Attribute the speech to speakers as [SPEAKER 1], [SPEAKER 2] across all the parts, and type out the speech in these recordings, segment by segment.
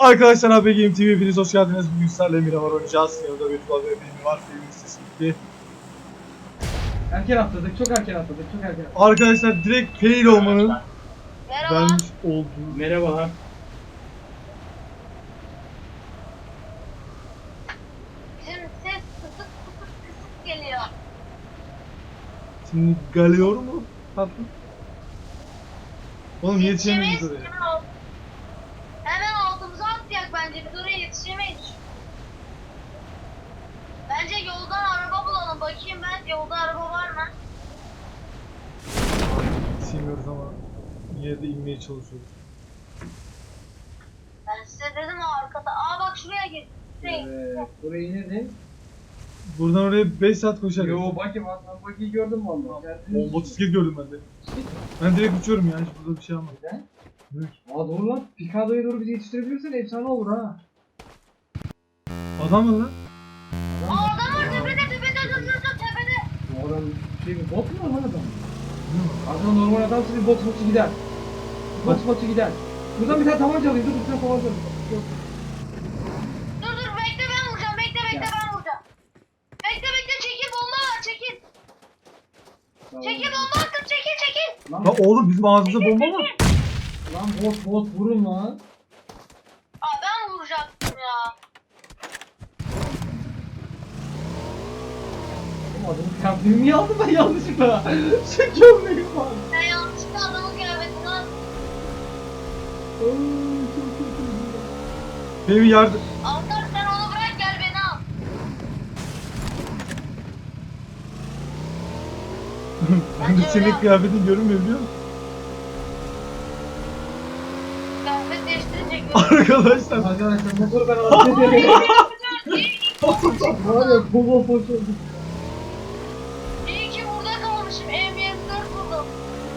[SPEAKER 1] Arkadaşlar AB Game TV hepiniz hoş geldiniz. Bugün sizlerle Miramar oynayacağız. Yanımda Betül abi ve benim var. Benim sesi gitti.
[SPEAKER 2] Erken atladık, çok erken atladık, çok erken atladık.
[SPEAKER 1] Arkadaşlar direkt fail olmanın
[SPEAKER 3] Merhaba.
[SPEAKER 1] vermiş olduğu...
[SPEAKER 2] Merhaba.
[SPEAKER 3] Bizim ses kısık kısık geliyor.
[SPEAKER 1] Şimdi geliyor mu? Tatlım. Oğlum yetişemeyiz
[SPEAKER 3] Yetişemeyiz.
[SPEAKER 1] oraya.
[SPEAKER 3] Hemen altımıza atlayak bence. Biz oraya yetişemeyiz. Bence yoldan araba bulalım. Bakayım ben yolda araba var mı?
[SPEAKER 1] Yetişemiyoruz ama yine de inmeye çalışıyoruz.
[SPEAKER 3] Ben size dedim arkada. Aa bak şuraya gir.
[SPEAKER 2] Evet, burayı inedin.
[SPEAKER 1] Buradan oraya 5 saat koşarız.
[SPEAKER 2] Yo bakayım, ben bakiyi gördüm valla.
[SPEAKER 1] O motosiklet gördüm ben de. Ben direkt uçuyorum ya. Hiç burada bir şey almadım.
[SPEAKER 2] Neden?
[SPEAKER 1] Evet.
[SPEAKER 2] Aa doğru lan, Picado'ya doğru bizi yetiştirebilirsen efsane olur ha.
[SPEAKER 1] Adam mı lan?
[SPEAKER 3] Aa adam var tepede dur tepede.
[SPEAKER 2] Bu adam şey mi, bot mu lan adam? Adam normal adam sizi botu gider. Botu gider. Buradan bir tane tabanca alayım, dur bir tane tabanca alayım.
[SPEAKER 3] Dur bekle ben vuracağım. Bekle
[SPEAKER 2] Ya.
[SPEAKER 3] ben vuracağım. Bekle çekil bomba var çekil.
[SPEAKER 2] Tamam.
[SPEAKER 3] Çekil bomba attım çekil.
[SPEAKER 2] Lan,
[SPEAKER 1] Ya oğlum bizim ağzımızda bomba var.
[SPEAKER 2] lan bot vurun lan.
[SPEAKER 3] Aa ben vuracaktım ya.
[SPEAKER 2] Oğlum adamın kıyafetini niye aldım ben yanlışlıkla? Şu gömleğim var.
[SPEAKER 3] Sen yanlışlıkla adamın kıyafetini aldın.
[SPEAKER 1] Benim yardım...
[SPEAKER 3] Altar sen onu bırak gel beni al.
[SPEAKER 1] Ben de senin kıyafetin görünmüyor biliyor musun?
[SPEAKER 3] Kıyafet değiştirecek.
[SPEAKER 1] Arkadaşlar.
[SPEAKER 2] Arkadaşlar motoru ben alıp gidelim. Var ya kova poş oldu.
[SPEAKER 3] İyi ki burada kalmışım. M24 buldum.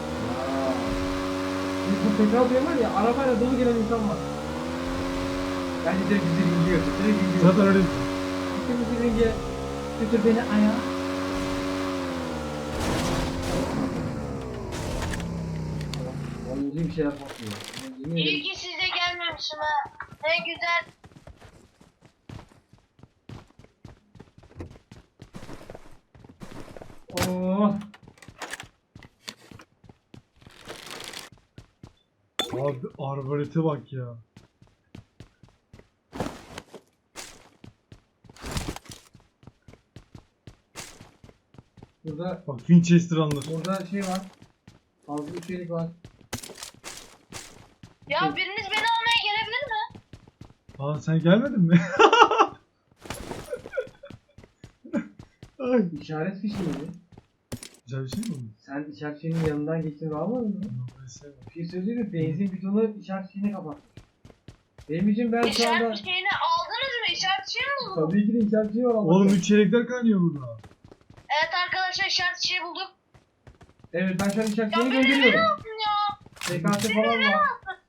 [SPEAKER 2] Bu tekrar diyor var ya, arabayla dolu gelen insan var. Bence direkt bizi ringiyor. Direkt ringiyor.
[SPEAKER 1] Zaten öyle.
[SPEAKER 2] Bizi ringiye götür beni ayağa. Vallahi bir şeyler patlıyor. Yemin
[SPEAKER 3] İyi
[SPEAKER 2] ederim.
[SPEAKER 3] ki size gelmemişim ha. Ne güzel.
[SPEAKER 2] Oh.
[SPEAKER 1] Abi arbalete bak ya.
[SPEAKER 2] Burada
[SPEAKER 1] Bak Winchester alınır.
[SPEAKER 2] burada şey var. Fazla bir şeylik var.
[SPEAKER 3] Ya biriniz beni almaya gelebilir mi?
[SPEAKER 1] Aa sen gelmedin mi? Ay.
[SPEAKER 2] İşaret fişi miydi?
[SPEAKER 1] Güzel bir şey mi oldu?
[SPEAKER 2] Sen işaret fişinin yanından geçtin ve almadın mı?
[SPEAKER 1] Yok, ben sevmem.
[SPEAKER 2] Bir şey söyleyeyim mi? Benzin bidonu işaret fişini kapatmış. Benim için ben şu anda...
[SPEAKER 3] İşaret şeyini aldınız mı? İşaret şey mi buldunuz?
[SPEAKER 2] Tabii ki de işaret fişi var ama.
[SPEAKER 1] Oğlum 3 çeyrekler kaynıyor burada.
[SPEAKER 3] Evet arkadaşlar işaret şey bulduk.
[SPEAKER 2] Evet ben şu an işaret
[SPEAKER 3] Ya
[SPEAKER 2] fişini
[SPEAKER 3] beni
[SPEAKER 2] gönderiyorum.
[SPEAKER 3] alsın ya.
[SPEAKER 2] TKT falan var.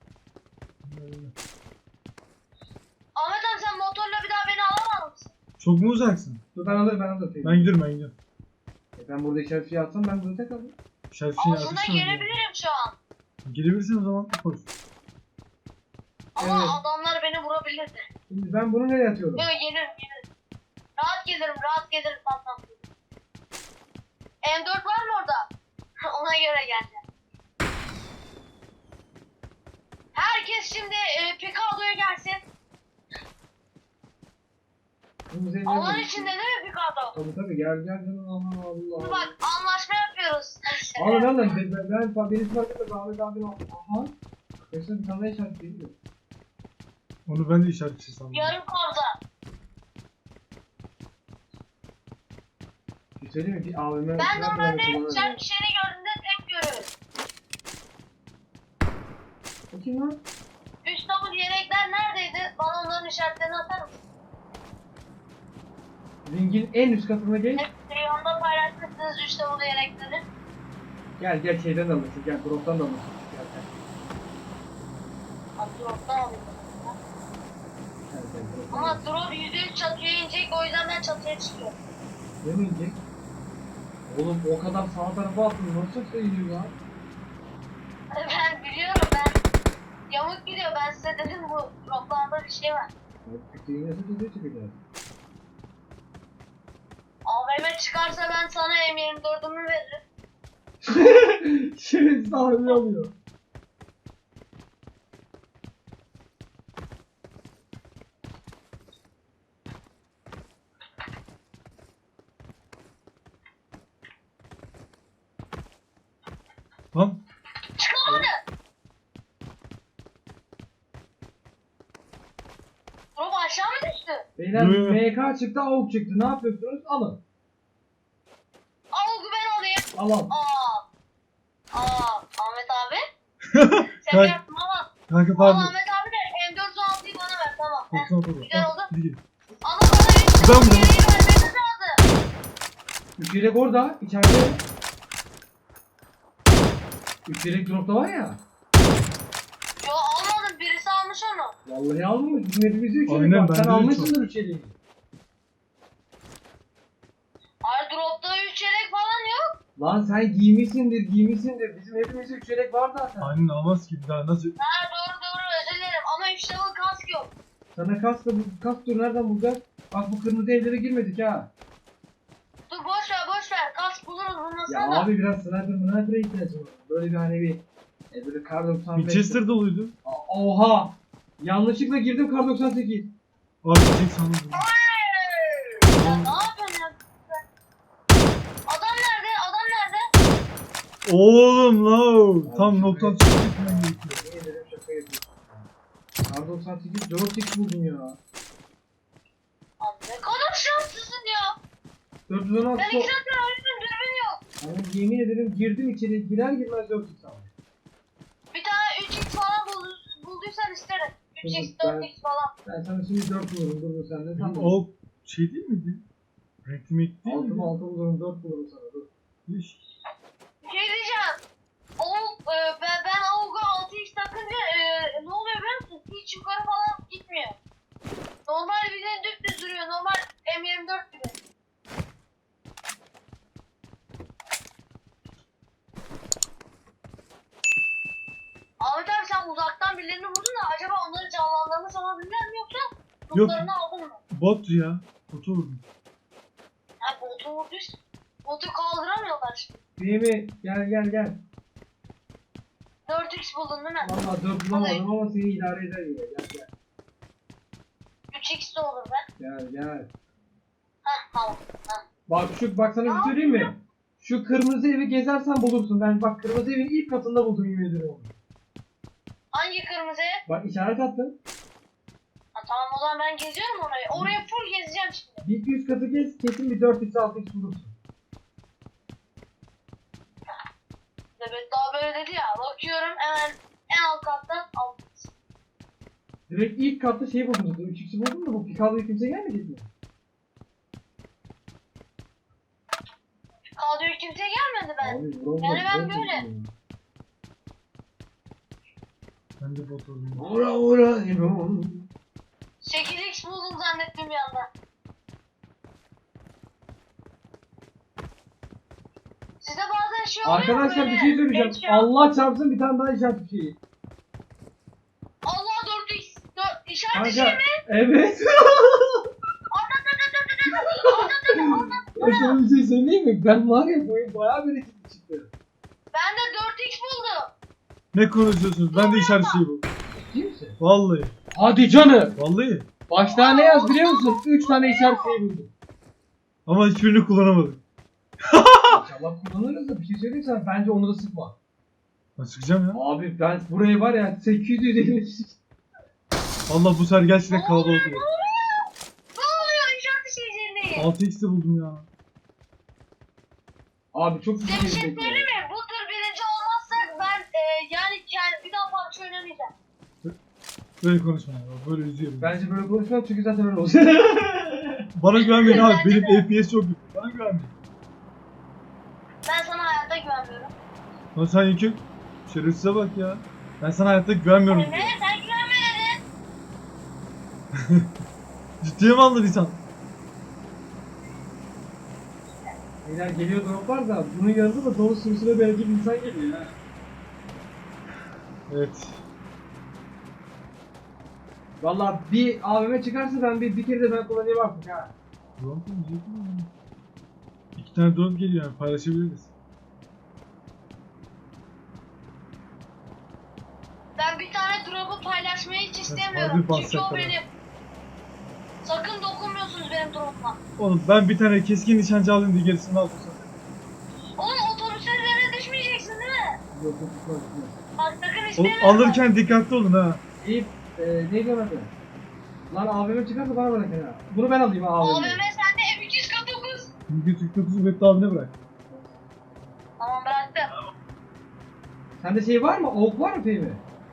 [SPEAKER 3] Ahmet abi sen motorla bir daha beni alamaz mısın?
[SPEAKER 1] Çok mu uzaksın?
[SPEAKER 2] Dur ben alırım.
[SPEAKER 1] Ben gidiyorum.
[SPEAKER 2] Ben burada işaret fişi atsam ben burada tek alırım.
[SPEAKER 1] Şarkısını
[SPEAKER 3] Aslında gelebilirim şu an.
[SPEAKER 1] Gelebilirsin o zaman. Koş.
[SPEAKER 3] Ama
[SPEAKER 2] Evet.
[SPEAKER 3] adamlar beni vurabilirdi.
[SPEAKER 2] Şimdi ben bunu nereye atıyorum?
[SPEAKER 3] Yok gelirim. Rahat gelirim tamam. M4 var mı orada? Ona göre geleceğim. Herkes şimdi Picado'ya gelsin.
[SPEAKER 2] Bunu üzerine
[SPEAKER 3] Alan
[SPEAKER 2] alayım.
[SPEAKER 3] içinde değil mi Picado?
[SPEAKER 2] Tabii gel canım Allah Allah.
[SPEAKER 3] Dur bak anlaşma yapıyoruz.
[SPEAKER 2] Abi ben beni fark etmez Ahmet abim aha. Arkadaşlar bir tane daha işaret değil.
[SPEAKER 1] Onu ben de işaretçi sandım.
[SPEAKER 3] Yarım kabza.
[SPEAKER 2] Bir şey söyleyeyim mi? Bir AVM...
[SPEAKER 3] Ben normalde işaret şeyini gördüğümde tek görüyorum.
[SPEAKER 2] O kim lan?
[SPEAKER 3] Üst double yelekler neredeydi? Bana onların işaretlerini atar mısın?
[SPEAKER 2] Ringin en üst katına gel.
[SPEAKER 3] Hep Reyon'da paylaşmışsınız üst double yelekleri.
[SPEAKER 2] Gel şeyden de alırsın. Gel Drop'tan da alırsın. Gel.
[SPEAKER 3] Drop'tan alayım.
[SPEAKER 2] Drop.
[SPEAKER 3] Ama drop %100 çatıya inecek o yüzden ben çatıya çıkıyorum.
[SPEAKER 2] Ne mi inecek? Oğlum o kadar sağ tarafa attın. Nasıl sayılıyor ya?
[SPEAKER 3] Ben biliyorum ben. Yamuk gidiyor, ben size dedim bu droplarda bir şey var.
[SPEAKER 2] Kütüğü nasıl düzeye çıkacağız?
[SPEAKER 3] AVM çıkarsa ben sana M24'ümü veririm.
[SPEAKER 2] Şerefsiz ağrını alıyor.
[SPEAKER 1] Lan
[SPEAKER 3] Çıkamadı. Drop aşağı mı düştü?
[SPEAKER 2] Beyler
[SPEAKER 1] Yo.
[SPEAKER 2] MK çıktı, AUK çıktı. Ne yapıyorsunuz? Alın.
[SPEAKER 3] Al ben alayım.
[SPEAKER 2] Alalım.
[SPEAKER 3] Ahmet abi. Sen
[SPEAKER 1] Kanka,
[SPEAKER 3] yaptın ama.
[SPEAKER 1] kanka
[SPEAKER 3] Al
[SPEAKER 1] pardon.
[SPEAKER 3] Ahmet abi de M416'yı bana ver, tamam. Heh,
[SPEAKER 1] Tamam tamam.
[SPEAKER 3] güzel oldu.
[SPEAKER 1] Hadi gidelim.
[SPEAKER 3] Ama bana
[SPEAKER 1] Güzel mi?
[SPEAKER 3] bir şey vermeniz lazım.
[SPEAKER 2] Üç yelek orada. İçeride. Üç yelek dropta var ya.
[SPEAKER 3] Yo almadım, birisi almış onu.
[SPEAKER 2] Vallahi almamış. Bizim hepimizde üç yelek
[SPEAKER 1] Aynen,
[SPEAKER 2] var. Sen
[SPEAKER 1] bende de
[SPEAKER 2] almışsındır üç yeleği.
[SPEAKER 3] Hayır, dropta 3 yelek falan yok.
[SPEAKER 2] Lan sen giymişsindir. Bizim hepimizde üç yelek var zaten.
[SPEAKER 1] Aynen almaz ki bir daha nasıl?
[SPEAKER 3] Ha doğru özür dilerim ama 3 level kask yok.
[SPEAKER 2] Sana kask dur nereden bulacağız? Bak bu kırmızı evlere girmedik ha.
[SPEAKER 3] Dur boş ver, kask buluruz
[SPEAKER 2] Ya
[SPEAKER 3] bulmasana da.
[SPEAKER 2] abi biraz sniper'a ihtiyacım var. Böyle bir hani bir böyle kar 95.
[SPEAKER 1] Winchester doluydu.
[SPEAKER 2] Oha! Yanlışlıkla girdim kar 98.
[SPEAKER 1] Abi tek sandım.
[SPEAKER 3] Ya ne yapıyorsun ya? Adam nerede?
[SPEAKER 1] Oğlum la. Tam noktadan çıkıp gitmem gerekiyor.
[SPEAKER 2] Niye dedim şaka yapıyorsun. Kar 98 4x buldum ya.
[SPEAKER 3] Abi ne kadar şanslısın ya.
[SPEAKER 2] 416
[SPEAKER 3] Ben 2 saattir arıyorum, dürbün yok.
[SPEAKER 2] Ama yemin ederim girdim içeri girer girmez 4x aldım.
[SPEAKER 3] Bir tane 3x falan bulduysan isterim. 3x,
[SPEAKER 2] Ben-
[SPEAKER 3] 4x falan.
[SPEAKER 2] Ben sana şimdi 4 bulurum dur sen de tamam.
[SPEAKER 1] O şey değil miydi? Renkli mekli değil
[SPEAKER 2] 6
[SPEAKER 1] miydi?
[SPEAKER 2] 6 bulurum 4 bulurum sana dur.
[SPEAKER 1] Hiç.
[SPEAKER 3] Bir şey diyeceğim. Ben Avuk'a 6x takınca ne oluyor biliyor musun? Hiç yukarı falan gitmiyor. Normal bir de dümdüz duruyor. Normal M24 gibi. Ahmet abi sen uzaktan birilerini vurdun da acaba onları canlandırmış olabilirler mi yoksa
[SPEAKER 1] Yok.
[SPEAKER 3] lootlarını aldın mı?
[SPEAKER 1] Bot ya. Botu vurdum.
[SPEAKER 3] Ha botu vurduysa. Botu kaldıramıyorlar şimdi.
[SPEAKER 2] Fehmi gel.
[SPEAKER 3] 4x buldun değil mi?
[SPEAKER 2] Valla 4 bulamadım ama seni idare eder yine gel.
[SPEAKER 3] 3x de olur be.
[SPEAKER 2] Gel.
[SPEAKER 3] Heh tamam.
[SPEAKER 2] Bak sana bir söyleyeyim mi? Şu kırmızı evi gezersen bulursun. Ben bak kırmızı evin ilk katında buldum yemin ederim onu.
[SPEAKER 3] Hangi kırmızı ev?
[SPEAKER 2] Bak işaret attım.
[SPEAKER 3] Ha, tamam o zaman ben geziyorum orayı. Oraya full gezeceğim şimdi.
[SPEAKER 2] Bir 200 katı gez kesin bir 4x 6x bulursun.
[SPEAKER 3] Evet daha böyle dedi ya. Bakıyorum hemen en alt kattan aldım.
[SPEAKER 2] Direkt ilk katta şey buldum. 3x'i buldum da bu pikabla kimse gelmedi mi?
[SPEAKER 3] Kadroya kimse gelmedi ben.
[SPEAKER 2] Abi vuramadım.
[SPEAKER 3] Yani ben böyle.
[SPEAKER 1] Ben de bot vurdum.
[SPEAKER 2] Ura.
[SPEAKER 3] 8x buldum zannettim bir anda. Size bazen şey oluyor mu
[SPEAKER 2] Arkadaşlar
[SPEAKER 3] böyle?
[SPEAKER 2] bir şey söyleyeceğim.
[SPEAKER 3] Headshot.
[SPEAKER 2] Allah çarpsın bir tane daha işaret bir şey.
[SPEAKER 3] Allah 4x. İşaret
[SPEAKER 2] Kanka
[SPEAKER 3] şey mi?
[SPEAKER 2] evet.
[SPEAKER 3] Anlat.
[SPEAKER 2] Ya sana bir şey söyleyeyim mi? Ben var ya bu oyun bayağı bir ekip çıktı.
[SPEAKER 3] Ben de 4x buldum.
[SPEAKER 1] Ne konuşuyorsunuz? Ben de işaret şeyi bu.
[SPEAKER 2] Ciddi misin?
[SPEAKER 1] Vallahi.
[SPEAKER 2] Hadi canım.
[SPEAKER 1] Vallahi.
[SPEAKER 2] Başta ne yaz biliyor musun? 3 tane işaret şeyi buldum.
[SPEAKER 1] Ama hiçbirini kullanamadım.
[SPEAKER 2] İnşallah kullanırız da bir şey söyleyeyim sana. Bence onu da sıkma.
[SPEAKER 1] Ben çıkacağım ya.
[SPEAKER 2] Abi ben burayı var ya 850.
[SPEAKER 1] Vallahi bu sefer gerçekten kalabalık oldu.
[SPEAKER 3] Ne oluyor işaret şeyleri?
[SPEAKER 1] 6x'te buldum ya.
[SPEAKER 2] Abi çok
[SPEAKER 3] Size bir
[SPEAKER 2] güzel
[SPEAKER 3] şey
[SPEAKER 2] bir
[SPEAKER 3] söyleyeyim mi? Bu tür birinci olmazsak ben yani bir daha PUBG oynamayacağım.
[SPEAKER 1] Böyle konuşma ya. Böyle üzüyorum.
[SPEAKER 2] Bence böyle konuşmam çünkü zaten öyle olacak.
[SPEAKER 1] Bana güvenmeyin abi.
[SPEAKER 3] Bence
[SPEAKER 1] Benim FPS çok kötü. Bana güvenmeyin.
[SPEAKER 3] Ben sana hayatta güvenmiyorum.
[SPEAKER 1] Lan sen yükü. Şerefsize bak ya. Ben sana hayatta güvenmiyorum.
[SPEAKER 3] Ne? Sen güvenme dedin.
[SPEAKER 1] Ciddiye mi aldın insan?
[SPEAKER 2] Beyler geliyor droplar da bunun yanında da dolu sürüsüne belki bir insan geliyor ha.
[SPEAKER 1] Evet.
[SPEAKER 2] Valla bir AVM çıkarsa ben bir kere de ben kullanayım artık ha.
[SPEAKER 1] Drone koymayacak mı? 2 tane drone geliyor yani paylaşabiliriz.
[SPEAKER 3] Ben bir tane drop'u paylaşmayı hiç
[SPEAKER 1] harbi
[SPEAKER 3] istemiyorum. Çünkü
[SPEAKER 1] bahset
[SPEAKER 3] o
[SPEAKER 1] bana.
[SPEAKER 3] benim. Sakın dokunmuyorsunuz benim drop'uma.
[SPEAKER 1] Oğlum ben bir tane keskin nişancı alayım diye gerisini aldım sana.
[SPEAKER 3] Oğlum otobüsün üzerine düşmeyeceksin değil mi?
[SPEAKER 2] Yok yok tutmaz.
[SPEAKER 3] Bak sakın
[SPEAKER 1] Oğlum
[SPEAKER 3] istemiyorum.
[SPEAKER 1] alırken dikkatli olun ha.
[SPEAKER 2] İyi ne diyor adı? Lan AVM çıkarsa bana bırak ya. Bunu ben alayım ha AVM'yi.
[SPEAKER 3] AVM sende M249.
[SPEAKER 1] Çünkü Türk 9'u Web abine bırak.
[SPEAKER 3] Tamam bıraktım.
[SPEAKER 2] Sende şey var mı? Oak var mı Fehmi?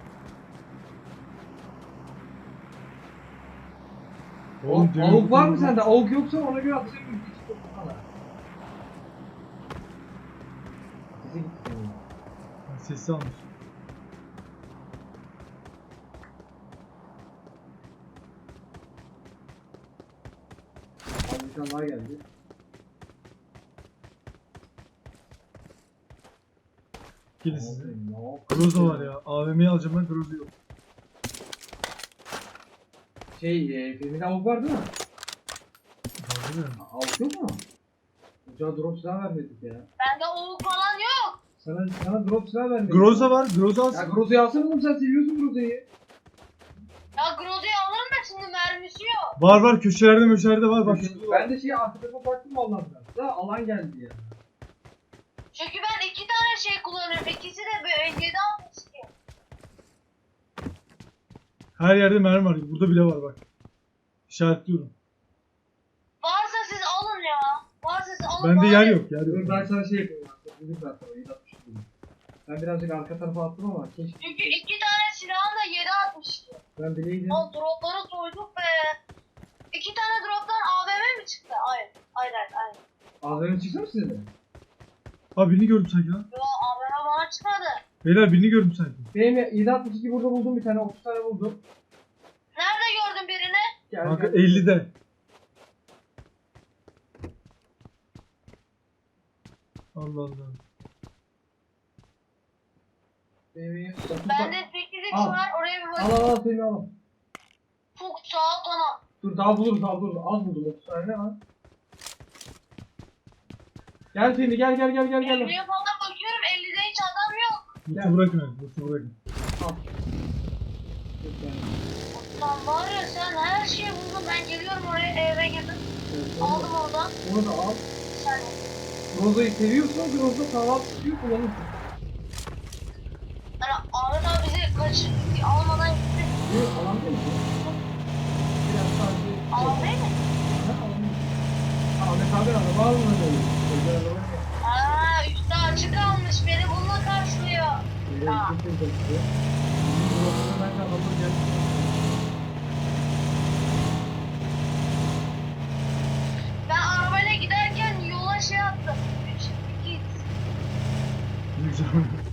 [SPEAKER 2] Oak var mı sende? Oak yoksa ona göre atacağım bir küçük topu sana. Sesi gitti.
[SPEAKER 1] Sesi almış.
[SPEAKER 2] Abi bir tane daha geldi.
[SPEAKER 1] Gelin size.
[SPEAKER 2] Ne
[SPEAKER 1] Groza var ya. AVM'yi alacağım ben, Groza yok.
[SPEAKER 2] Fehmi'de Oak var değil mi?
[SPEAKER 1] Var değil mi?
[SPEAKER 2] Oak yok mu? Hoca drop silah vermedik ya.
[SPEAKER 3] Bende oğul falan yok.
[SPEAKER 2] Sana drop silah vermedik.
[SPEAKER 1] Groza var. Groza
[SPEAKER 2] Ya
[SPEAKER 1] alsın.
[SPEAKER 2] Groza'yı alsana oğlum, sen seviyorsun Groza'yı.
[SPEAKER 3] Ya Groza'yı alırım da şimdi mermisi yok.
[SPEAKER 1] Var var, köşelerde möşelerde var. Bak.
[SPEAKER 2] Ben de arka tarafa baktım vallahi biraz. Da alan geldi ya.
[SPEAKER 3] Çünkü ben 2 tane şey kullanıyorum. İkisi de böyle 7.62.
[SPEAKER 1] Her yerde mermi var. Burada bile var bak. İşaretliyorum.
[SPEAKER 3] Varsa siz alın ya. Varsa siz alın.
[SPEAKER 1] Bende
[SPEAKER 3] bana
[SPEAKER 1] yer
[SPEAKER 3] verin.
[SPEAKER 1] yok. Yer
[SPEAKER 2] Dur
[SPEAKER 1] yok.
[SPEAKER 2] ben sana şey yapayım artık. Dedim ben sana 760 dedim. Ben birazcık arka tarafa attım ama keşke.
[SPEAKER 3] Çünkü 2 tane silahım da 7.62.
[SPEAKER 2] Ben bileydim.
[SPEAKER 3] O dropları soyduk be. 2 tane droptan AVM mi çıktı? Hayır. Hayır.
[SPEAKER 2] AVM çıksın mı size de?
[SPEAKER 1] Abi birini gördüm sanki lan.
[SPEAKER 3] Yo AVM bana çıkmadı.
[SPEAKER 1] Beyler birini gördüm sanki.
[SPEAKER 2] Benim 762 burada buldum bir tane, 30 tane buldum.
[SPEAKER 3] Nerede gördün birini?
[SPEAKER 2] Gel,
[SPEAKER 1] Kanka
[SPEAKER 2] gel.
[SPEAKER 1] 50'de. Allah Allah.
[SPEAKER 2] Benim 30
[SPEAKER 3] Bende
[SPEAKER 2] tane.
[SPEAKER 3] 8x
[SPEAKER 2] Al.
[SPEAKER 3] var. Oraya bir
[SPEAKER 2] Al
[SPEAKER 3] bakayım.
[SPEAKER 2] al Fehmi al.
[SPEAKER 3] Çok sağ ol tamam.
[SPEAKER 2] Dur daha buluruz. Az buldum 30 tane ne var? Gel Fehmi gel.
[SPEAKER 3] 50'ye falan bakıyorum. 50'de hiç adam yok.
[SPEAKER 1] Loot'u bırakın hadi. Loot'u bırakın.
[SPEAKER 2] Al. Dur yani.
[SPEAKER 3] Lan var ya sen her şeyi buldun. Ben geliyorum oraya eve girdim.
[SPEAKER 2] Evet,
[SPEAKER 3] Aldım oradan.
[SPEAKER 2] Onu da al.
[SPEAKER 3] Sen
[SPEAKER 2] Groza'yı seviyorsan Groza kahvaltı suyu kullanırsın.
[SPEAKER 3] hani Ahmet abi bizi almadan gitti.
[SPEAKER 2] Yok alan değil mi? Biraz sadece...
[SPEAKER 3] Alan değil mi?
[SPEAKER 2] Ha, alan değil. Ahmet abi araba almadı öyle. Özel araba yok.
[SPEAKER 3] Aa üstü açık kalmış. Beni bununla karşılıyor.
[SPEAKER 2] Evet,
[SPEAKER 3] Aa.
[SPEAKER 2] çok güzel size. Bizim Groza'da ben de adamı geldim.
[SPEAKER 3] Ben arabayla giderken yola şey attım. 3, 2,
[SPEAKER 1] Ne güzel.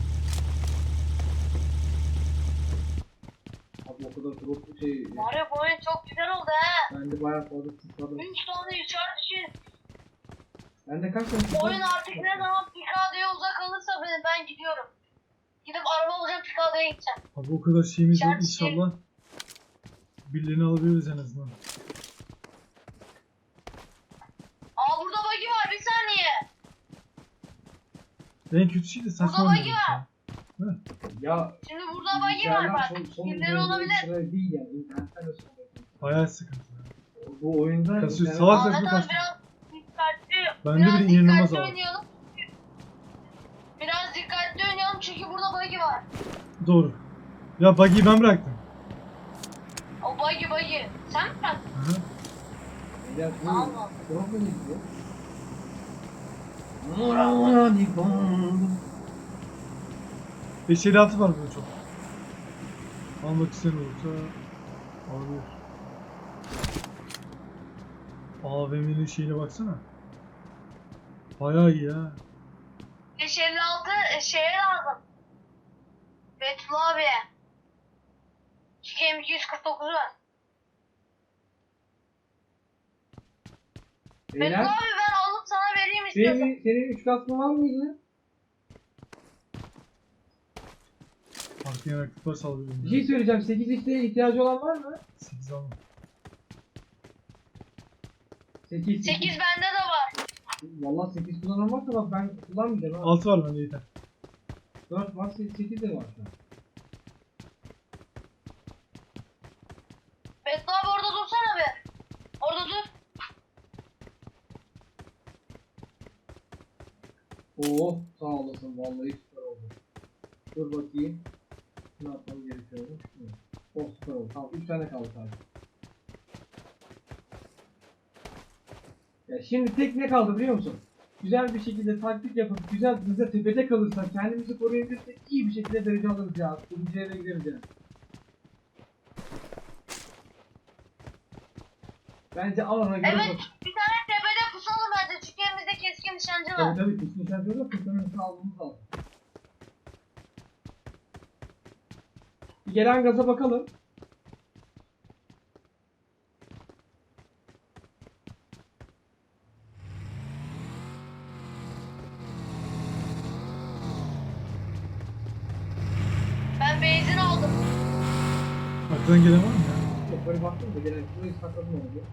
[SPEAKER 2] Abi o kadar drop şey...
[SPEAKER 3] var ya bu oyun çok güzel oldu he.
[SPEAKER 2] Ben de bayağı fazla tıkladım.
[SPEAKER 3] 3 tane içeride şey.
[SPEAKER 2] Ben de kaç tane tıkladım?
[SPEAKER 3] Oyun artık ne zaman Picado'ya uzak alırsa ben gidiyorum. Gidip araba alacağım Picado'ya gideceğim.
[SPEAKER 1] Abi o kadar şeyimiz var,
[SPEAKER 3] İçerisi-
[SPEAKER 1] inşallah. Birilerini alabiliriz en azından.
[SPEAKER 3] Aa burada buggy var bir saniye.
[SPEAKER 1] En kötü şey de saçma
[SPEAKER 3] Burada buggy
[SPEAKER 1] oynuyoruz
[SPEAKER 3] var.
[SPEAKER 1] ya.
[SPEAKER 2] Ya...
[SPEAKER 3] Şimdi burada buggy var bak. Kimleri olabilir?
[SPEAKER 2] Sıra değil yani. İnternetten de sonra.
[SPEAKER 1] Bayağı sıkıntı.
[SPEAKER 2] Bu oyunda...
[SPEAKER 1] Kasıyor,
[SPEAKER 2] internet-
[SPEAKER 1] salak
[SPEAKER 3] Ahmet
[SPEAKER 1] saçma
[SPEAKER 3] abi
[SPEAKER 1] kasıyor.
[SPEAKER 3] biraz dikkatli.
[SPEAKER 1] Bende
[SPEAKER 3] biraz
[SPEAKER 1] bile inanılmaz
[SPEAKER 3] dikkatli
[SPEAKER 1] abi.
[SPEAKER 3] oynayalım. Biraz dikkatli oynayalım çünkü burada buggy var.
[SPEAKER 1] Doğru. Ya buggy'yi ben bıraktım.
[SPEAKER 3] O buggy. Sen mi bıraktın?
[SPEAKER 1] Hı hı.
[SPEAKER 2] Ya bu...
[SPEAKER 3] Allah.
[SPEAKER 2] Drop mu gidiyor?
[SPEAKER 1] Beşeri altı var burada çok. Almak isteyen olursa alabilir. AVM'nin şeyine baksana. Bayağı iyi ha.
[SPEAKER 3] 556 şeye lazım. Betül abiye. Çünkü M249 var. Betül
[SPEAKER 2] Beyler,
[SPEAKER 3] abi ben alıp sana vereyim istiyorsan.
[SPEAKER 2] senin 3 kaskın var mıydı?
[SPEAKER 1] Başka yanaklık var saldırıyorum.
[SPEAKER 2] Bir şey söyleyeceğim. 8x'e ihtiyacı olan var mı?
[SPEAKER 1] 8 alma.
[SPEAKER 2] 8.
[SPEAKER 3] 8 bende de var.
[SPEAKER 2] Valla 8 kullanan varsa bak ben kullanmayacağım ha.
[SPEAKER 1] 6 var bende yeter.
[SPEAKER 2] 4 var 8 de var şu an.
[SPEAKER 3] Beto abi orada dursana be. Orada dur.
[SPEAKER 2] Oo sağ olasın vallahi süper oldu. Dur bakayım. Ne yapmam gerekiyordu? Oh süper oldu. Tamam 3 tane kaldı sadece. Ya şimdi tek ne kaldı biliyor musun? Güzel bir şekilde taktik yapıp güzel hızla tepede kalırsak kendimizi koruyabilirsek iyi bir şekilde derece alırız ya. Birinci yere gideriz ya. Bence alana göre
[SPEAKER 3] Evet,
[SPEAKER 2] bak.
[SPEAKER 3] bir tane tepede pusalım bence çünkü elimizde keskin nişancı var.
[SPEAKER 2] Tabii kesin sen diyorlar ki senin almamız lazım. Bir gelen gaza bakalım.
[SPEAKER 3] Ben benzin aldım.
[SPEAKER 1] Arkadan gelen var mı ya?
[SPEAKER 2] Yok böyle baktım da gelen burayı sakladım oldu.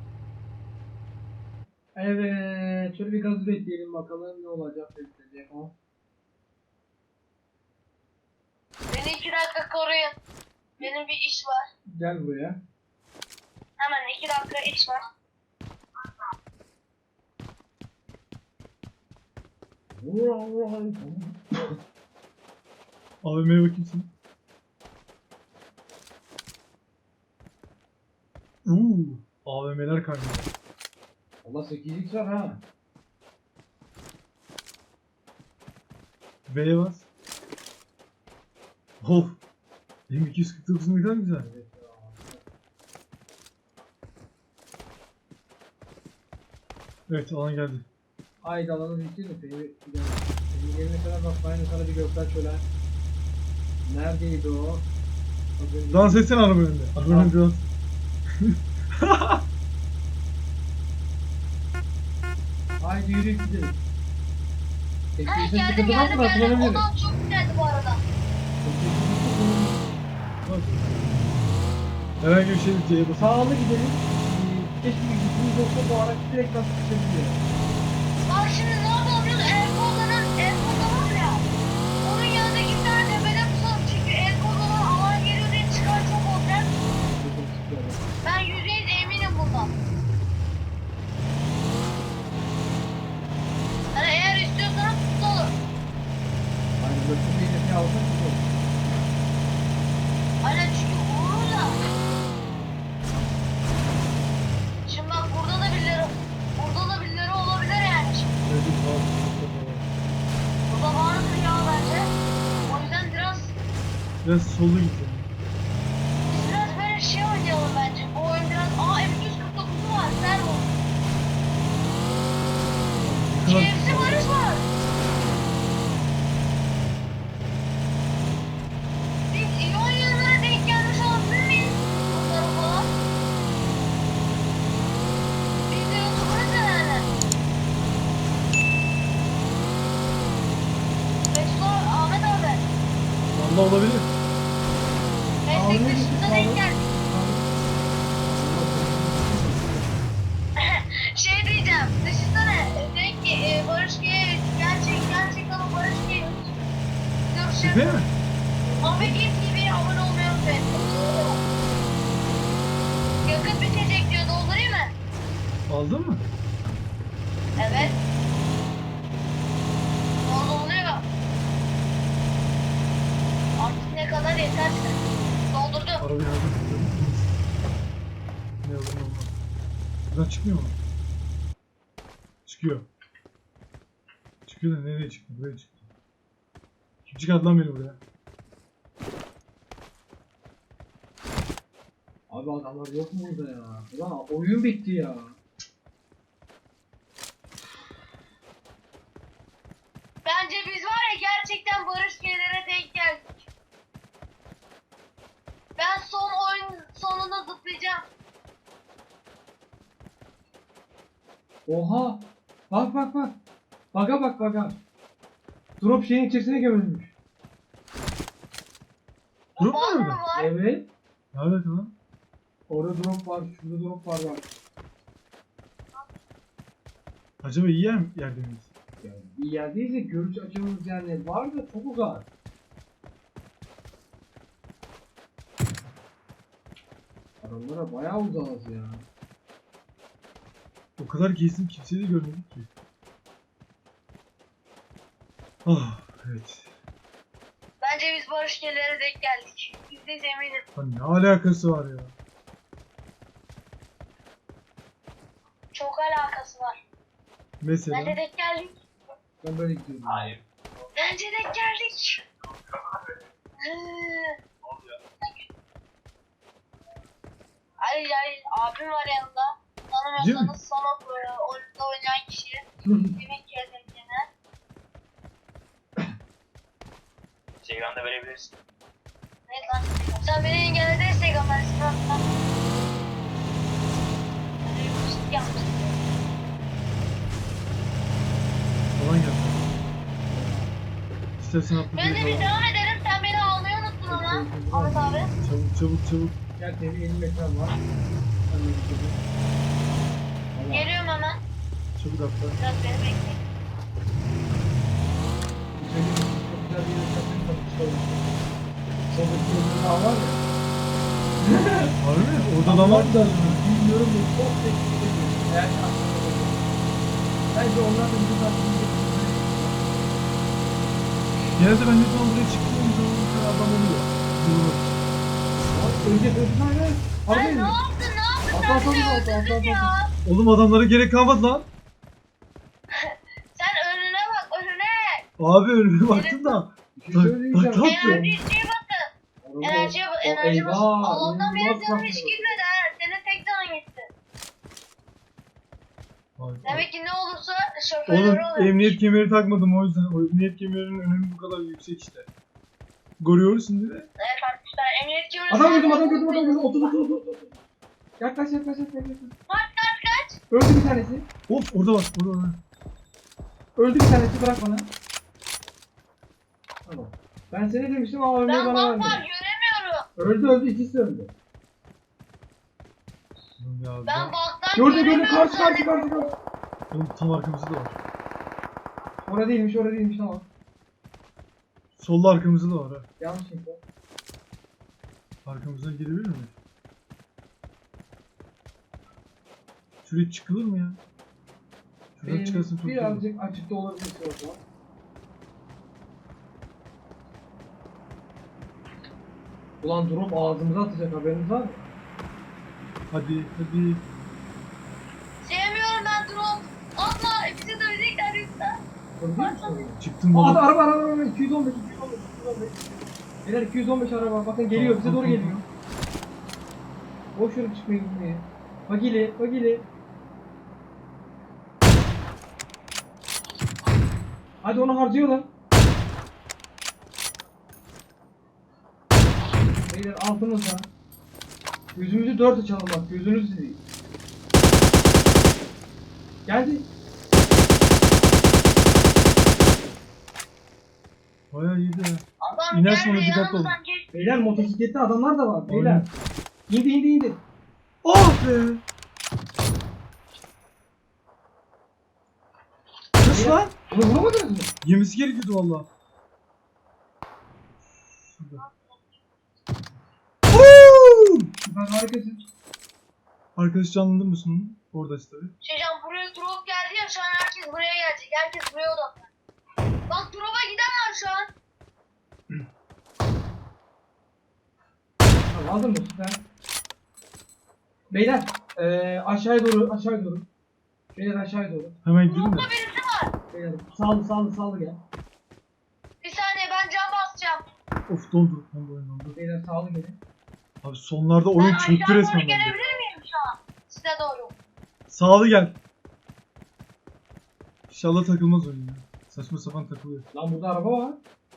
[SPEAKER 2] Evet, şöyle bir gaz bekleyelim bakalım ne olacak bekleyecek o.
[SPEAKER 3] Beni 2 dakika koruyun. Benim bir iş var.
[SPEAKER 2] Gel buraya.
[SPEAKER 3] Hemen 2 dakika iş var.
[SPEAKER 1] AVM'ye bakayım sen. AVM'ler kaynıyor.
[SPEAKER 2] Allah 8x var ha.
[SPEAKER 1] V'ye bas. Of. M249 ne kadar güzel.
[SPEAKER 2] Evet ya.
[SPEAKER 1] Evet alan geldi.
[SPEAKER 2] Haydi alanı bitir de senin yerine kadar bak aynı sana bir gökler şöyle. Neredeydi o? Az önce-
[SPEAKER 1] Dans etsene araba önünde. Araba önünde dans.
[SPEAKER 2] Haydi yürü gidelim.
[SPEAKER 3] Ha
[SPEAKER 2] Teknolojide
[SPEAKER 3] geldim
[SPEAKER 2] sıkıntı var
[SPEAKER 3] geldim
[SPEAKER 2] mı?
[SPEAKER 3] geldim.
[SPEAKER 2] Kullanabilirim.
[SPEAKER 3] Ondan çok güzeldi bu arada.
[SPEAKER 1] Bak. Herhangi bir şey C'ye basın.
[SPEAKER 2] Sağlı gidelim. Keşke bir gittiğimiz olsa bu araç direkt nasıl çıkabiliyor.
[SPEAKER 3] Bak şimdi ne yapalım biliyor musun? El kolları var ya. Onun yanındaki bir tane tepede pusalım. Çünkü el kolları alan geliyor diye çıkar çok olacak. Ben %100 eminim bundan. Hani eğer istiyorsanız tutalım.
[SPEAKER 2] Aynen böyle bir şey alsak güzel olur.
[SPEAKER 3] Aynen çünkü vurur da. Şimdi bak burada da birileri olabilir yani. Şimdi burada vardır ya bence. O yüzden
[SPEAKER 1] Biraz solda gitti.
[SPEAKER 3] biz biraz böyle şey oynayalım bence. Bu oyun biraz M249'u var. Servo. KFC Barış var. Biz İyon yanına denk gelmiş olabilir miyiz? Bunları falan. Biz de YouTuber'ız herhalde. Bekler Ahmet abi.
[SPEAKER 1] Valla olabilir.
[SPEAKER 3] Meslek dışında denk geldik. Şey diyeceğim. Düşünsene. Dedik ki Barış G'ye gerçekten o Barış G'ye
[SPEAKER 1] Değil
[SPEAKER 3] görüşürüz.
[SPEAKER 1] mi?
[SPEAKER 3] Ahmet TV'ye abone olmayı unutmayın. Yakıt bitecek diyor. Doldurayım mı?
[SPEAKER 1] Aldın mı?
[SPEAKER 3] Evet. Dolduruluyor. Artık ne kadar yeterse. Doldurdu.
[SPEAKER 1] Arabayı aldım. Ne olur ne olmaz. Buradan çıkmıyor mu? Çıkıyor. Çıkıyor da nereye çıktı? Buraya çıktı. Kim çıkardı lan beni buraya?
[SPEAKER 2] Abi adamlar yok mu burada ya? Ulan oyun bitti ya.
[SPEAKER 3] Bence biz var ya gerçekten Barış G'lere denk geldik. Ben son oyun sonunda zıplayacağım.
[SPEAKER 2] Oha! Bak bak bak. Baga bak baga. Drop şeyin içerisine gömülmüş.
[SPEAKER 1] Drop mu
[SPEAKER 3] Var mı
[SPEAKER 1] orada?
[SPEAKER 3] var?
[SPEAKER 2] Evet.
[SPEAKER 1] Ne alaka lan?
[SPEAKER 2] Orada drop var. Şurada drop var bak.
[SPEAKER 1] Acaba iyi yerde miyiz?
[SPEAKER 2] Yani bir yerdeyiz de görüş açımız yani var da çok uzak. Adamlara bayağı uzağız ya.
[SPEAKER 1] O kadar gezdim kimseyi de görmedik ki. Ah evet.
[SPEAKER 3] Bence biz barış yerlere denk geldik. Biz de eminim.
[SPEAKER 1] Lan ne alakası var ya?
[SPEAKER 3] Çok alakası var.
[SPEAKER 1] Mesela.
[SPEAKER 3] Bence denk geldik.
[SPEAKER 2] Ben böyle gidiyorum.
[SPEAKER 4] Hayır.
[SPEAKER 3] Bence denk geldik. Ay abim var yanında.
[SPEAKER 1] Değil mi?
[SPEAKER 3] Tanımıyorsanız sana oyunda oynayan kişi. Yemek yerlerine.
[SPEAKER 4] Instagram'da verebilirsin.
[SPEAKER 3] Ne lan? Sen beni engelledi Instagram'dan. Instagram'dan. Öyle bir post yapmıştım.
[SPEAKER 1] Falan geldi. İstersen atla
[SPEAKER 3] Ben de bir
[SPEAKER 1] falan.
[SPEAKER 3] devam ederim. Sen beni almayı unuttun ama. Ahmet abi.
[SPEAKER 1] Çabuk çabuk çabuk.
[SPEAKER 2] Gel senin 50 metren var. Ben de gidiyorum. Allah.
[SPEAKER 3] Geliyorum hemen.
[SPEAKER 1] Çabuk atla.
[SPEAKER 3] Biraz beni bekleyin.
[SPEAKER 2] Bir şey diyeyim mi? Çok güzel bir yere çarptım. Kapışta olmuş. Soldaki yolda daha var ya.
[SPEAKER 1] Harbi mi? Orada da var da.
[SPEAKER 2] Bilmiyorum da çok teknik ediyor. Eğer aslında bence onlar da bizim tatlımızı
[SPEAKER 1] Genelde ben ne zaman buraya çıktığım zaman bir tane adam oluyor. Yürümek için.
[SPEAKER 2] önce sözünden ne?
[SPEAKER 3] Ay
[SPEAKER 2] Harbi
[SPEAKER 3] ne
[SPEAKER 2] mi?
[SPEAKER 3] yaptın? Ne yaptın?
[SPEAKER 2] Atla,
[SPEAKER 3] Sen bizi
[SPEAKER 2] atla, atla,
[SPEAKER 3] öldürdün
[SPEAKER 2] atla,
[SPEAKER 3] ya.
[SPEAKER 1] Oğlum adamlara gerek kalmadı lan.
[SPEAKER 3] Sen önüne bak önüne.
[SPEAKER 1] Abi önüme baktım da.
[SPEAKER 2] Bir şey söyleyeceğim.
[SPEAKER 1] Tamam.
[SPEAKER 3] Enerjiye bakın. Enerjiye bak. Enerji bak. Allah'tan beri canım hiç girmedi ha. Senin tek canın gitti.
[SPEAKER 1] Vay.
[SPEAKER 3] Demek ki ne olursa şoförleri
[SPEAKER 1] Oğlum
[SPEAKER 3] oluyor.
[SPEAKER 1] emniyet kemeri takmadım o yüzden. O emniyet kemerinin önemi bu kadar yüksek işte. Görüyoruz şimdi de.
[SPEAKER 3] Evet arkadaşlar emniyet kemeri.
[SPEAKER 2] Adam gördüm. Otur. Yaklaş.
[SPEAKER 3] Kaç.
[SPEAKER 2] Öldü bir tanesi.
[SPEAKER 1] Of orada bak orada.
[SPEAKER 2] Öldü bir tanesi, bırak bana. Tamam. Ben seni demiştim ama ölmeyi
[SPEAKER 3] Ben
[SPEAKER 2] bana
[SPEAKER 3] bak
[SPEAKER 2] vermedi.
[SPEAKER 3] göremiyorum.
[SPEAKER 2] Öldü, ikisi de öldü.
[SPEAKER 1] Oğlum ya,
[SPEAKER 3] Ben baktan
[SPEAKER 2] Gördüm,
[SPEAKER 3] göremiyorum.
[SPEAKER 2] karşı.
[SPEAKER 1] Oğlum tam arkamızda da var.
[SPEAKER 2] Orada değilmiş, tamam.
[SPEAKER 1] Solda arkamızda da var ha.
[SPEAKER 2] Yanlış info.
[SPEAKER 1] Arkamızdan gelebilir mi? Şuraya çıkılır mı ya? Şuradan çıkarsın çok iyi olur.
[SPEAKER 2] Birazcık açıkta olabilir orada. Ulan drop ağzımıza atacak, haberiniz var mı?
[SPEAKER 1] Hadi.
[SPEAKER 3] Sevmiyorum ben drone. Atma. Bizi dövecekler yoksa.
[SPEAKER 2] Öyle değil mi sorun?
[SPEAKER 1] Çıktım
[SPEAKER 2] Aa,
[SPEAKER 1] baba.
[SPEAKER 2] araba 215. Beyler 215 araba, bakın geliyor, bize doğru geliyor. Boş yere çıkmayı gitmeye. Bagili. Hadi onu harcayalım. Beyler altımızda. Gözümüzü dört açalım bak, gözünüzü seveyim. Geldi.
[SPEAKER 1] Bayağı iyiydi ha.
[SPEAKER 3] Adam
[SPEAKER 1] İner
[SPEAKER 3] geldi
[SPEAKER 1] sonra dikkatli
[SPEAKER 3] yanımızdan geçti.
[SPEAKER 2] Beyler motosikletli adamlar da var. Beyler. İndi.
[SPEAKER 1] Oh be! Nasıl lan?
[SPEAKER 2] Bunu vuramadınız mı?
[SPEAKER 1] Yemesi gerekiyordu valla. Şurada. Woo!
[SPEAKER 2] Ben harikasın.
[SPEAKER 1] Arkadaş canlandın mısın onun? Oradayız tabi.
[SPEAKER 3] Şeycan buraya drop geldi ya şu an herkes buraya gelecek. Herkes buraya odaklanıyor. Bak drop'a giden var şu an.
[SPEAKER 2] Tamam, aldın mı? Süper. Beyler aşağıya doğru. Beyler aşağıya doğru.
[SPEAKER 1] Hemen gidelim de.
[SPEAKER 3] Drop'ta birisi var.
[SPEAKER 2] Beyler sağlı gel.
[SPEAKER 3] Bir saniye ben cam basacağım.
[SPEAKER 1] Of dondu. Dondu.
[SPEAKER 2] Beyler sağlı gelin.
[SPEAKER 1] Abi sonlarda oyun
[SPEAKER 3] Ben
[SPEAKER 1] çöktü
[SPEAKER 3] aşağı doğru
[SPEAKER 1] resmen bende.
[SPEAKER 3] gelebilir miyim şu an? Size doğru.
[SPEAKER 1] Sağlı gel. İnşallah takılmaz oyun ya. Saçma sapan takılıyor.
[SPEAKER 2] Lan burada araba var.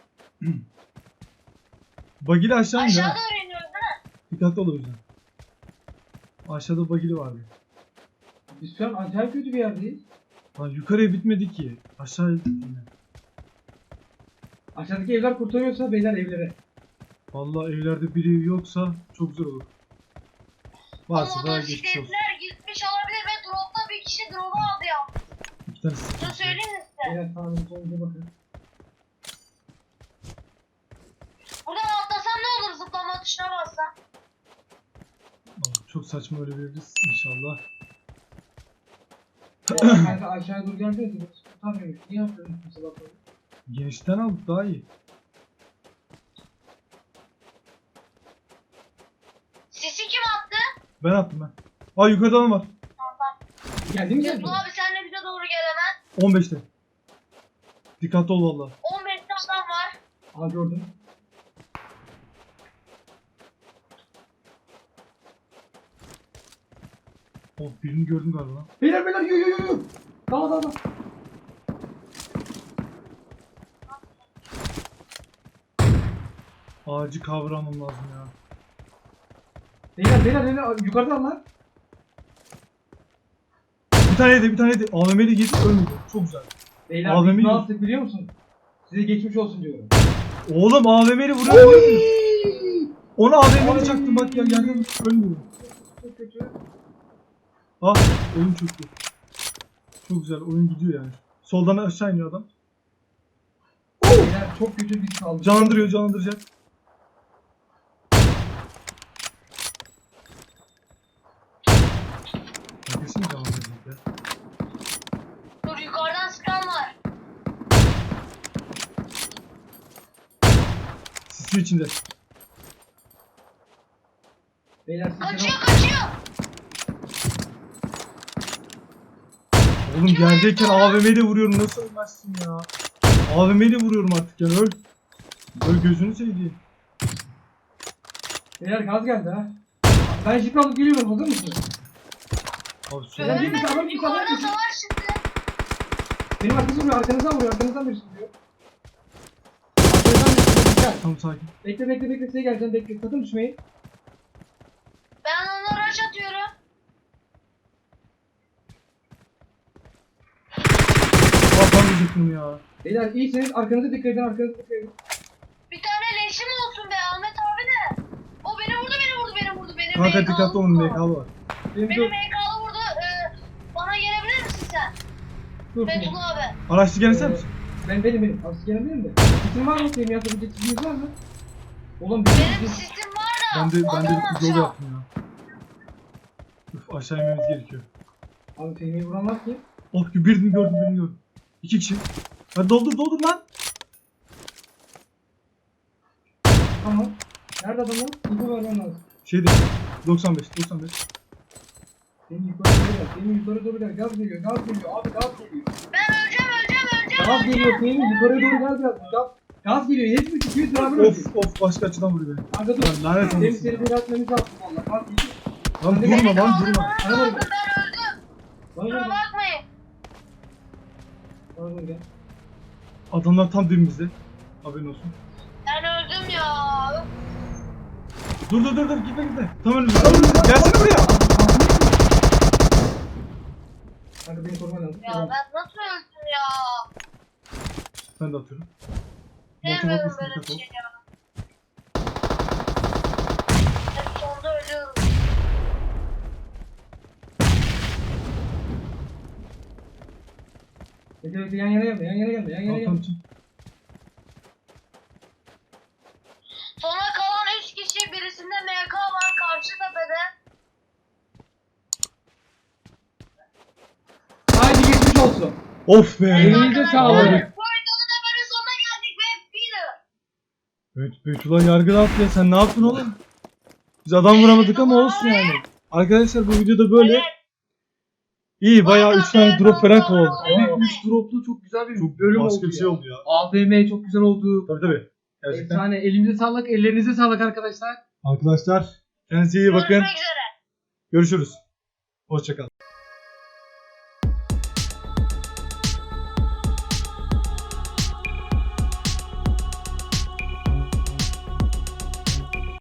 [SPEAKER 1] Bagili aşağı indi
[SPEAKER 3] Aşağı
[SPEAKER 1] ha.
[SPEAKER 3] doğru iniyoruz değil mi?
[SPEAKER 1] Dikkatli ol o yüzden. Aşağıda bagili vardı.
[SPEAKER 2] Biz şu an acayip kötü bir yerdeyiz.
[SPEAKER 1] Lan yukarıya bitmedi ki. Aşağıya bitti yine.
[SPEAKER 2] Aşağıdaki evler kurtarıyorsa beyler evlere.
[SPEAKER 1] Vallahi evlerde biri yoksa çok güzel olur. Varsa
[SPEAKER 3] O
[SPEAKER 1] da geçmiş olsun.
[SPEAKER 3] motosikletler gitmiş olabilir ve dropta bir kişi drop'u aldı ya.
[SPEAKER 1] İki tane
[SPEAKER 3] Bunu
[SPEAKER 1] sıkıntı.
[SPEAKER 3] söyleyeyim mi size?
[SPEAKER 2] Beyler sağınıza solunuza bakın.
[SPEAKER 3] Buradan atlasam ne olur zıplama tuşuna bassam?
[SPEAKER 1] Çok saçma ölebiliriz inşallah.
[SPEAKER 2] Kanka aşağıya doğru geldiniz mi? Tutamıyormuş. Niye yapıyorsunuz mesela böyle?
[SPEAKER 1] Genişten aldık daha iyi.
[SPEAKER 3] Sisi kim attı?
[SPEAKER 1] Ben attım ben. Aa yukarıda adam var.
[SPEAKER 2] Geldi mi geldi?
[SPEAKER 3] Yusuf abi sen de bize doğru gel hemen.
[SPEAKER 1] 15'te. Dikkatli ol valla.
[SPEAKER 3] 15'te adam var.
[SPEAKER 2] Aa gördüm.
[SPEAKER 1] Oh birini gördüm galiba.
[SPEAKER 2] Beyler beyler yo. Dala.
[SPEAKER 1] Ağacı kavramam lazım ya.
[SPEAKER 2] Beyler yukarıdan lan.
[SPEAKER 1] Bir tane yedi. AVM'li girdi ölmedi. Çok güzel.
[SPEAKER 2] Beyler
[SPEAKER 1] Abi,
[SPEAKER 2] biz ne
[SPEAKER 1] mi-
[SPEAKER 2] yaptık biliyor musun? Size geçmiş olsun diyorum.
[SPEAKER 1] Oğlum AVM'li vuruyor. Onu AVM'li çaktım bak ya yerden ölmüyor.
[SPEAKER 2] Çok kötü.
[SPEAKER 1] Ah oyun çöktü. Çok güzel oyun gidiyor yani. Soldan aşağı iniyor adam.
[SPEAKER 2] Beyler çok kötü bir saldırı.
[SPEAKER 1] Canlandıracak. Kesin canlandıracak ya.
[SPEAKER 3] Dur yukarıdan sıkan var.
[SPEAKER 1] Sisi içinde.
[SPEAKER 2] Beyler sizin
[SPEAKER 3] Kaçıyor.
[SPEAKER 1] Oğlum yerdeyken AVM'yle vuruyorum nasıl ölmezsin ya. AVM'yle vuruyorum artık yani öl. Öl gözünü seveyim.
[SPEAKER 2] Beyler gaz geldi ha. Ben jip alıp geliyorum, hazır mısınız?
[SPEAKER 1] Abi
[SPEAKER 2] Ben
[SPEAKER 1] söyle.
[SPEAKER 2] bir tane-
[SPEAKER 3] Görmedim yukarıda savaş çıktı.
[SPEAKER 2] Benim arkası vuruyor, arkanızdan vuruyor, arkanızdan birisi vuruyor. Arkanızdan birisi vuruyor, dikkat.
[SPEAKER 1] Tamam sakin.
[SPEAKER 2] Bekle, size geleceğim, bekle, sakın düşmeyin.
[SPEAKER 3] Ben ona rush atıyorum.
[SPEAKER 1] Kafam diyecektim ya.
[SPEAKER 2] Beyler iyiseniz arkanıza dikkat edin.
[SPEAKER 3] Bir tane leşim olsun be Ahmet abi de. O beni vurdu. Benim
[SPEAKER 1] Kanka
[SPEAKER 3] MK'lı
[SPEAKER 1] dikkatli olun
[SPEAKER 3] vurdu.
[SPEAKER 1] MK var.
[SPEAKER 2] Benim
[SPEAKER 3] Benim
[SPEAKER 2] dur,
[SPEAKER 3] MK'lı vurdu. Bana gelebilir misin sen?
[SPEAKER 2] dur.
[SPEAKER 3] Fethullah abi.
[SPEAKER 1] Araçlı gene sen misin?
[SPEAKER 2] Benim. Abi siz gelebilir de. Sizin var mı? Benim yapabilecek siziniz var mı? Oğlum
[SPEAKER 3] Benim sistem var da.
[SPEAKER 1] Ben de
[SPEAKER 3] adam
[SPEAKER 1] bir yol
[SPEAKER 3] atacağım.
[SPEAKER 1] yaptım ya. Üf aşağı inmemiz gerekiyor.
[SPEAKER 2] Abi Fehmi'yi vuran var ki.
[SPEAKER 1] Oh birini gördüm. 2 kişi. Hadi doldur lan.
[SPEAKER 2] Tamam. Nerede adam lan? İnfo vermem lazım.
[SPEAKER 1] Şeyde 95.
[SPEAKER 2] Benim yukarı doğru gel. Gaz geliyor. Abi gaz geliyor.
[SPEAKER 3] Ben öleceğim.
[SPEAKER 2] Gaz geliyor. Fehmi yukarı doğru gel biraz. Gaz geliyor. Hepimiz 200 beraber öldük.
[SPEAKER 1] Of başka açıdan vuruyor beni.
[SPEAKER 2] Kanka dur.
[SPEAKER 1] Lan lanet
[SPEAKER 2] Benim
[SPEAKER 1] olsun.
[SPEAKER 2] seni bir atmamız lazım valla. Gaz geliyor.
[SPEAKER 1] Lan
[SPEAKER 2] Hadi
[SPEAKER 1] durma lan
[SPEAKER 3] Kaldırmanız
[SPEAKER 1] durma.
[SPEAKER 2] Bana
[SPEAKER 3] lazım,
[SPEAKER 2] bak.
[SPEAKER 3] ben öldüm.
[SPEAKER 2] Bana
[SPEAKER 3] Kusura
[SPEAKER 2] doğru gel.
[SPEAKER 3] bakmayın.
[SPEAKER 2] Bana doğru gel.
[SPEAKER 1] Adamlar tam dibimizde. Haberin olsun.
[SPEAKER 3] Ben öldüm ya.
[SPEAKER 1] Dur gitme. Tam önümüzde. Gelsene buraya.
[SPEAKER 2] Kanka beni koruman lazım.
[SPEAKER 3] Ya ben nasıl öldüm ya?
[SPEAKER 1] Ben de atıyorum. Motor
[SPEAKER 3] Sevmiyorum
[SPEAKER 1] atmasın
[SPEAKER 3] böyle bir
[SPEAKER 1] dikkat ol.
[SPEAKER 3] şey ya. Hep sonunda ölüyorum.
[SPEAKER 2] Bekle yan yana gelme.
[SPEAKER 1] Tamam.
[SPEAKER 3] Sona kalan 3 kişi, birisinde MK var karşı tepede.
[SPEAKER 2] Haydi geçmiş olsun.
[SPEAKER 1] Of be.
[SPEAKER 2] Elinize sağlık.
[SPEAKER 1] Abi.
[SPEAKER 3] Bu videonun da böyle sonuna geldik ve Peter.
[SPEAKER 1] Evet Beytullah yargıda attı ya. Sen ne yaptın oğlum? Biz adam vuramadık ama olsun yani. Arkadaşlar bu videoda böyle. İyi bayağı 3 tane drop falan kovaladık.
[SPEAKER 2] Evet,
[SPEAKER 1] Ama
[SPEAKER 2] 3 droplu çok güzel bir
[SPEAKER 1] çok
[SPEAKER 2] bölüm
[SPEAKER 1] başka
[SPEAKER 2] oldu
[SPEAKER 1] bir şey
[SPEAKER 2] ya.
[SPEAKER 1] oldu ya.
[SPEAKER 2] AVM çok güzel oldu.
[SPEAKER 1] Tabii. Gerçekten.
[SPEAKER 2] Efsane. Elinize sağlık, ellerinize sağlık arkadaşlar.
[SPEAKER 1] Arkadaşlar kendinize iyi bakın.
[SPEAKER 3] Görüşmek üzere.
[SPEAKER 1] Görüşürüz. Hoşçakalın.